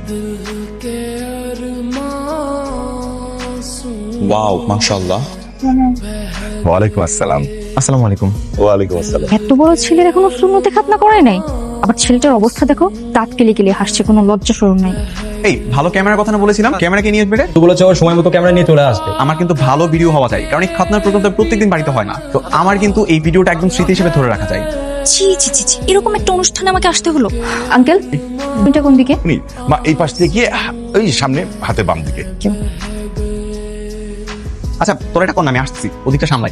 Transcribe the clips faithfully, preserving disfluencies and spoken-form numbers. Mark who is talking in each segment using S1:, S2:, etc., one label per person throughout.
S1: Wow মাশাআল্লাহ।
S2: ওয়ালাইকুম আসসালাম।
S1: আসসালামু আলাইকুম।
S2: ওয়ালাইকুম আসসালাম।
S3: এত বড় ছেলের এখনো সুন্নতে খাতনা করে নাই, আবার ছেলেটার অবস্থা দেখো, দাঁত কেলে কেলে হাসছে, কোনো লজ্জা শরম নাই।
S1: এই ভালো ক্যামেরার কথা না বলেছিলাম, ক্যামেরাকে নিয়ে আসবে রে।
S4: তো বলেছে সময় মতো ক্যামেরা নিয়ে চলে আসবে।
S1: আমার কিন্তু ভালো ভিডিও হওয়া চাই, কারণ এই খাতনার প্রোগ্রামটা প্রত্যেকদিন বাড়িতে হয় না। তো আমার কিন্তু এই ভিডিওটা একদম স্মৃতি হিসেবে ধরে রাখা যায়।
S3: ছি ছি ছি ছি, এরকম একটা অনুষ্ঠানে আমাকে আসতে হলো। আঙ্কেল এটা কোন দিকে?
S2: উনি মা এই পাশ থেকে গিয়ে ওই সামনে হাতে বাম দিকে।
S1: আচ্ছা তোর এটা কোন, আমি আসছি, ওদিকটা সামলাই।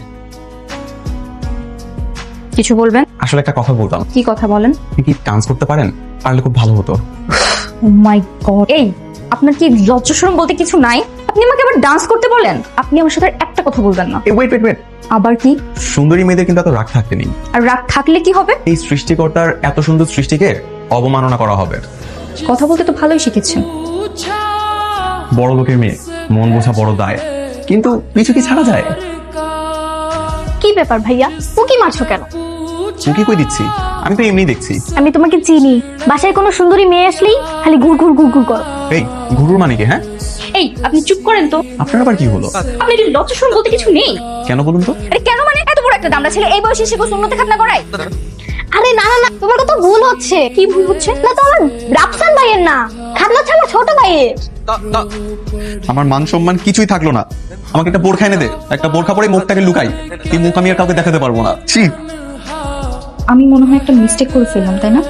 S3: কিছু বলবেন?
S1: আসলে একটা কথা বলতাম।
S3: কি কথা বলেন?
S1: আপনি কি ডান্স করতে পারেন? পারলে খুব ভালো হতো।
S3: ও মাই গড, এই আপনার কি লজ্জা শরম বলতে কিছু নাই? আপনি আমাকে আবার ডান্স করতে বলেন? আপনি আমার সাথে আর একটা কথা বলবেন না।
S1: এই ওয়েট ওয়েট ওয়েট,
S3: আবার কি?
S1: সুন্দরী মেয়েদের কিন্তু এত রাগ থাকতে নেই।
S3: আর রাগ থাকলে কি হবে?
S1: এই সৃষ্টিকর্তার এত সুন্দর সৃষ্টিকে অবমাননা করা হবে।
S3: কথা বলতে তো ভালোই শিখেছেন।
S1: বড় লোকের মেয়ে, মন বোঝা বড় দায়, কিন্তু কিছু কি ছাড়া যায়?
S5: কি ব্যাপার ভাইয়া, উকি মারছো কেন?
S1: চুকি কই দিচ্ছি, আমি তো এমনি দেখছি।
S5: আমি তোমাকে চিনি, বাসায় কোনো সুন্দরী মেয়ে আসলেই খালি ঘুর ঘুর ঘুর ঘুর করো।
S1: এই গুরুর মানে কি? হ্যাঁ
S3: এই আপনি চুপ করেন তো।
S1: আপনার আবার কি হলো?
S3: আপনি কি লজ্জা শরম বলতে কিছু নেই?
S1: কেন বলুন তো?
S3: আরে কেন মানে, এত বড় একটা দামড়া ছেলে এই বয়সে এসে সুন্নতে খাতনা করায়?
S5: আরে না না না, তোমার কথা ভুল হচ্ছে।
S3: কি ভুল হচ্ছে?
S5: না তো আমার রাফসান ভাইয়ের না, খাতনা হচ্ছে আমার ছোট ভাইয়ের।
S1: আমার মান সম্মান কিছুই থাকলো না। আমাকে একটা বোরখা এনে দে, একটা বোরখা পরে মুখটাকে লুকাই। এই মুখ আমি আর কাউকে দেখাতে পারবো না। ছি।
S3: আমি মনে হয় একটা মিস্টেক করে ফেললাম, তাই না?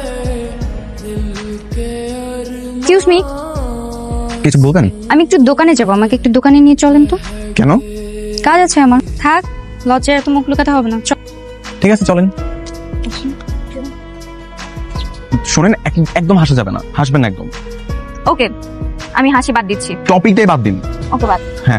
S3: এক্সকিউজ মি,
S1: কিছু বলবেন?
S3: আমি একটু দোকানে যাব, আমাকে একটু দোকানে নিয়ে চলেন তো।
S1: কেন?
S3: কাজ আছে আমার। থাক, লজ্জায় এত মুখ লুকাতে হবে না। চল।
S1: ঠিক আছে চলেন। শোনেন, এক- একদম হাসা যাবে না, হাসবেন না একদম।
S3: ওকে, আমি হাসি বাদ দিচ্ছি।
S1: টপিকটাই বাদ দিন।
S3: ওকে বাদ।
S1: হ্যাঁ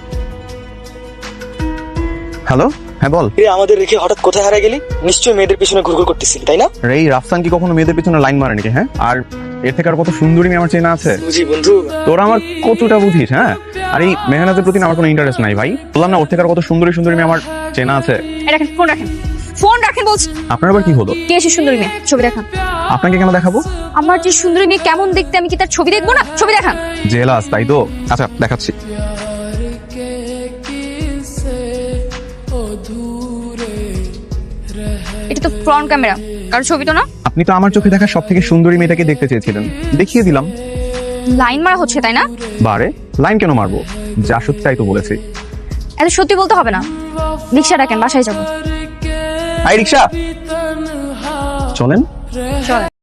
S1: হ্যালো, হ্যাঁ বল।
S6: রে আমাদের রেখে হঠাৎ কোথায় হারা গেলি? নিশ্চয়ই মেয়েদের পিছনে ঘুরঘুর করতেছিলি, তাই না?
S1: রে এই রাফসান কি কখনো মেয়েদের পিছনে লাইন মারে নাকি? হ্যাঁ, আর এর থেকে আর কত সুন্দরী মেয়ে আমার চেনা আছে।
S6: বুঝি বন্ধু।
S1: তোরা আমার কতটা বুঝিস? হ্যাঁ, আর এই মেহনাতের প্রতি না আমার কোনো ইন্টারেস্ট নাই ভাই। বললাম না, ওর থেকে আর কত সুন্দরী সুন্দরী মেয়ে আমার চেনা আছে।
S3: এই রাখেন, ফোন রাখেন, ফোন রাখেন বলছি।
S1: আপনার আবার কি হলো?
S3: কে এসে সুন্দরী মেয়ে? ছবি দেখান।
S1: আপনাকে কেন দেখাবো?
S3: আমার যে সুন্দরী মেয়ে কেমন দেখতে, আমি কি তার ছবি দেখবো না? ছবি দেখান।
S1: জেলাস তাই তো? আচ্ছা দেখাচ্ছি।
S3: এটা তো ফ্রন্ট ক্যামেরা, কারো ছবি তো না।
S1: আপনি তো আমার চোখে দেখা সব থেকে সুন্দরী মেয়েটাকে দেখতে চেয়েছিলেন, দেখিয়ে দিলাম।
S3: লাইন মারা হচ্ছে, তাই না?
S1: বারে লাইন কেন মারবো? যা সত্যি তাই তো বলেছি।
S3: এত সত্যি বলতে হবে না। রিক্সা ডাকেন, বাসায় যাবো।
S1: আই রিক্সা, চলেন।
S3: চল।